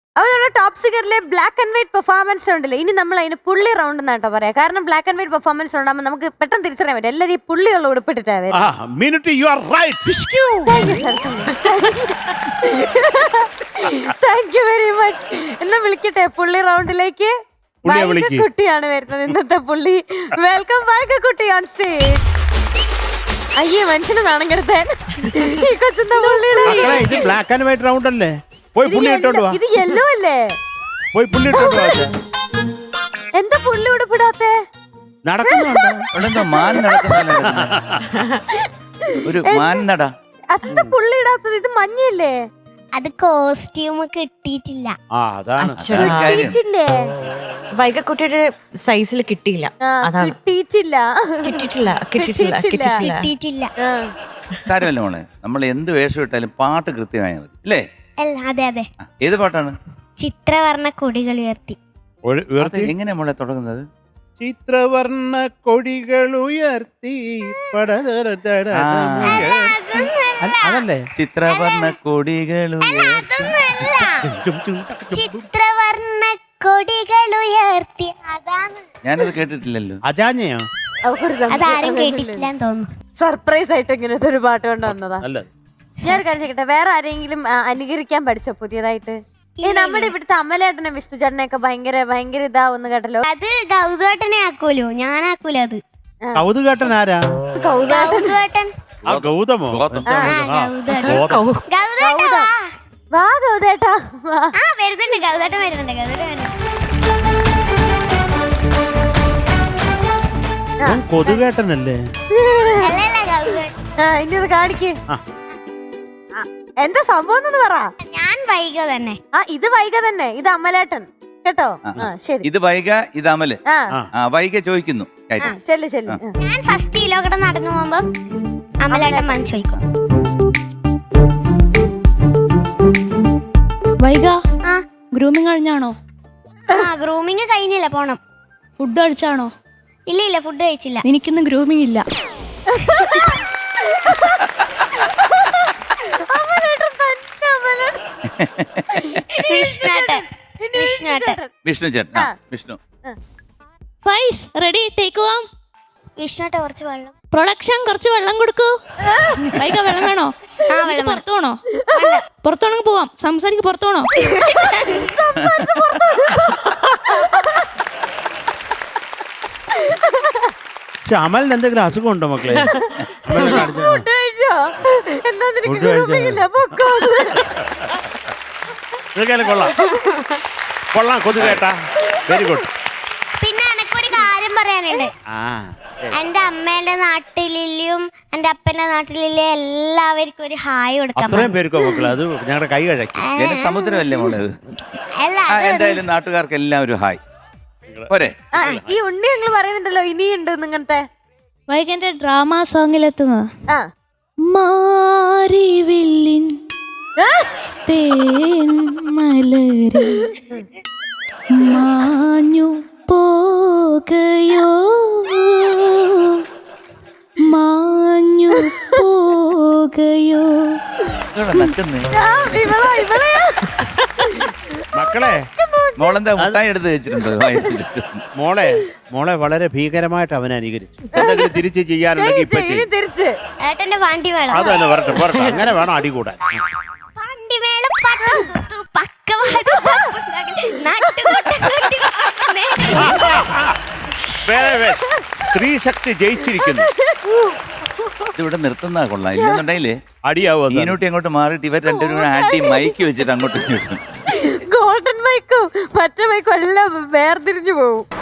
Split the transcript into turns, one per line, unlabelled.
അപ്പൊ നമ്മുടെ ടോപ്പ് സിംഗറിലെ ബ്ലാക്ക് ആൻഡ് വൈറ്റ് പെർഫോമൻസ് ഉണ്ടല്ലോ, ഇനി നമ്മൾ അതിന് പുള്ളി റൗണ്ട് എന്നാട്ടോ പറയാം. കാരണം ബ്ലാക്ക് ആൻഡ് വൈറ്റ് പെർഫോമൻസ് ഉണ്ടാകുമ്പോൾ നമുക്ക് പെട്ടെന്ന് തിരിച്ചറിയാൻ പറ്റും എല്ലാവരും ഈ പുള്ളിയുള്ള ഉടുപ്പിട്ടിട്ടാണ്. Thank you very much. എന്നാ വിളിക്കട്ടെ പുള്ളി റൗണ്ടിലേക്ക്. കുട്ടിയാണ് വരുന്നത് ഇന്നത്തെ പുള്ളി. വെൽക്കം കുട്ടി ഓൺ സ്റ്റേജ്. അയ്യേ മനുഷ്യന് നാണം കെടുത്താൻ ഈ കൊച്ചിന്റെ പുള്ളിയുടെ
ബ്ലാക്ക് ആൻഡ് വൈറ്റ് റൗണ്ട് അല്ലേ?
ഇത് യെല്ലോ അല്ലേ? എന്താ പുള്ളി ഉടുപ്പിടാത്തെ?
ഒരു മാന്നട
അത്ത പുള്ളി ഇടാത്തത്. ഇത് മഞ്ഞല്ലേ?
അത് കോസ്റ്റ്യൂം കിട്ടിയിട്ടില്ല.
കിട്ടിയിട്ടില്ലേ?
വൈകക്കുട്ടിയുടെ സൈസിൽ കിട്ടിയില്ല.
കിട്ടിയിട്ടില്ല.
കാര്യമല്ല മോളെ, നമ്മൾ എന്ത് വേഷം ഇട്ടാലും പാട്ട് കൃത്യമായാൽ മതി അല്ലേ?
അതെ അതെ.
ഏത് പാട്ടാണ്?
ചിത്രവർണ്ണ കൊടികൾ ഉയർത്തി.
എങ്ങനെയാ മോളെ തുടങ്ങുന്നത്?
ചിത്രവർണ്ണ കൊടികൾ ഉയർത്തി അതല്ലേ?
ചിത്രവർണ്ണ കൊടികൾ
ചിത്രവർണ്ണ കൊടികൾ ഉയർത്തി. അതാണ്.
ഞാനത് കേട്ടിട്ടില്ലല്ലോ.
അജാഞ്ഞയോ?
അതാരും കേട്ടിട്ടില്ലെന്ന് തോന്നുന്നു.
സർപ്രൈസ് ആയിട്ട് ഇങ്ങനത്തെ ഒരു പാട്ട് കൊണ്ട് വന്നതാ. ഞാനൊരു കാര്യം ചോദിക്കട്ടെ, വേറെ ആരെങ്കിലും അനുകരിക്കാൻ പഠിച്ചോ പുതിയതായിട്ട്? ഈ നമ്മുടെ ഇവിടുത്തെ അമലേട്ടനെ വിഷ്ണു ചേട്ടനെയൊക്കെ ഭയങ്കര ഇതാവുന്ന കേട്ടല്ലോ.
അത് ഗൗതേട്ടനെ ആക്കൂലോ, ഞാനാക്കൂല. അത്
കൗതുകേട്ടൻ ആരാ?
ഗൗതേട്ടൻ.
ഗൗതമോ?
വാ ഗൗതേട്ടാ.
വരുന്നുണ്ട് ഗൗതേട്ടൻ വരുന്നുണ്ട്.
കൊതുകേട്ടനല്ലേ?
ഇനി അത് കാണിക്ക്. എന്താ സംഭവം എന്ന് പറ.
ഞാൻ വൈക തന്നെ.
ഇത് വൈക തന്നെ. ഇത് അമലേട്ടൻ കേട്ടോ. ശരി.
ഇത് വൈക, ഇത് അമല്. വൈക ചോദിക്കുന്നു.
ചെല്ല്.
ഞാൻ ഫസ്റ്റ് കിലോക്കട നടന്നു പോകുമ്പോ അമലേട്ടൻ വന്ന് ചോദിക്കും.
വൈക ഗ്രൂമിങ് കഴിഞ്ഞാണോ?
ഗ്രൂമിങ് കഴിഞ്ഞില്ല, പോണം.
ഫുഡ് കഴിച്ചാണോ?
ഇല്ല ഫുഡ് കഴിച്ചില്ല.
എനിക്കിന്ന് ഗ്രൂമിങ് ഇല്ല.
വിഷ്ണു ചേട്ടൻ. വിഷ്ണു
ഫൈസ് റെഡി, ടേക്ക് ഓം.
വിഷ്ണുട്ട കുറച്ച് വെള്ളം.
പ്രൊഡക്ഷൻ കുറച്ച് വെള്ളം കൊടുക്കൂ. വൈക വെള്ളം വേണോ? പുറത്തു പോണോ? പുറത്തു വേണമെങ്കിൽ പോവാം. സംസാരിക്ക്. പുറത്തു പോണോ?
അമലിന് എന്തെങ്കിലും അസുഖം ഉണ്ടോ മക്കളെ? കൊള്ളാം കൊതുകേട്ടാ. Very good.
പിന്നെ എനക്കൊരു കാര്യം പറയാനുണ്ട്. എന്റെ അമ്മേന്റെ നാട്ടിലും എന്റെ അപ്പന്റെ നാട്ടിലും എല്ലാവർക്കും ഒരു ഹായ് കൊടുക്കാം.
പേർക്കോ മക്കളെ? അത് ഞങ്ങളുടെ കൈ കഴക്കി.
സമുദ്രമല്ലേ മോളെ? എന്തായാലും നാട്ടുകാർക്ക് എല്ലാവരും ഹായ്.
ഈ ഉണ്ണി ഞങ്ങൾ പറയുന്നുണ്ടല്ലോ ഇനിയുണ്ട് ഇങ്ങനത്തെ.
വൈകന്റെ ഡ്രാമ സോങ്ങിലെത്തുന്ന മാരിവില്ലിൻ തേൻ മലരി മാഞ്ഞു പോകയോ മാഞ്ഞു പോകയോ.
മക്കളെ
മോളെന്താ മുട്ടായി എടുത്ത് വെച്ചിട്ടുണ്ടോ?
മോളെ വളരെ ഭീകരമായിട്ട് അവനെ അനുകരിച്ചു. എന്തെങ്കിലും തിരിച്ച് ചെയ്യാനുണ്ടെങ്കിൽ
ഏട്ടന്റെ വണ്ടി വേണം.
അതല്ല വരട്ടെ അങ്ങനെ വേണം അടി കൂടാൻ. സ്ത്രീ ശക്തി ജയിച്ചിരിക്കുന്നു.
ഇതിവിടെ നിർത്തുന്ന കൊള്ളാം. ഇല്ലെന്നുണ്ടെങ്കിലേ
അടിയാവോ?
ഈനൂട്ടി അങ്ങോട്ട് മാറിയിട്ട് ഇവർ രണ്ടുപേരും ആട്ടി മൈക്ക് വെച്ചിട്ട് അങ്ങോട്ടും ഇങ്ങോട്ടും.
ഗോൾഡൻ മൈക്കും മറ്റേ മൈക്കും എല്ലാം വേർതിരിഞ്ഞു പോകും.